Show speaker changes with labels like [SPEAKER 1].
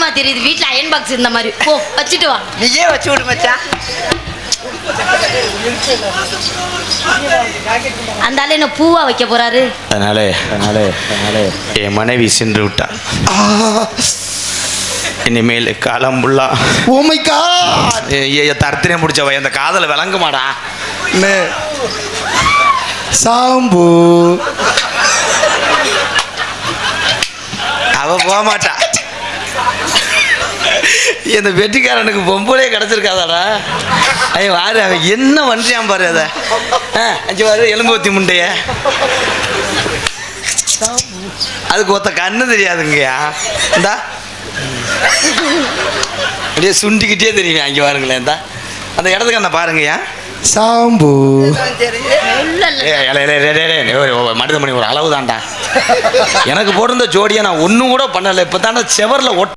[SPEAKER 1] தெரியுது வீட்டுல iron box இருந்த மாதிரி. போ வச்சுட்டு வா.
[SPEAKER 2] நீயே வச்சு விடு மச்சான்.
[SPEAKER 1] அந்த ஆளு என்ன பூவா வைக்க போறாரு.
[SPEAKER 3] அதனால என் மனைவி சென்று விட்டா. இனிமேல் காலம் புள்ளா
[SPEAKER 4] ஓ மை காட்
[SPEAKER 3] தரத்தினே முடிச்சவ அந்த காதல விளங்குமாடா.
[SPEAKER 4] சாம்பு
[SPEAKER 3] அவ போக மாட்டா. இந்த வெட்டிக்காரனுக்கு பொம்பளே கிடைச்சிருக்காதாடா. ஐயோ வாரு அவன் என்ன பண்றியான் பாரு. அதை அஞ்சு வாரு எலும்பு ஊத்தி முண்டைய அதுக்கு ஒத்த கண்ணு தெரியாதுங்கய்யா. இந்தா அப்படியே சுண்டிக்கிட்டே தெரியுங்க. அங்கே பாருங்களேன் இந்தா அந்த இடத்துக்கு என்ன பாருங்கய்யா.
[SPEAKER 4] சாம்பு
[SPEAKER 3] மனிதமணி ஒரு அளவு தான்டா. எனக்கு போட்டிருந்த ஜோடியை நான் ஒன்றும் கூட பண்ணலை. இப்போ தாண்டா செவரில்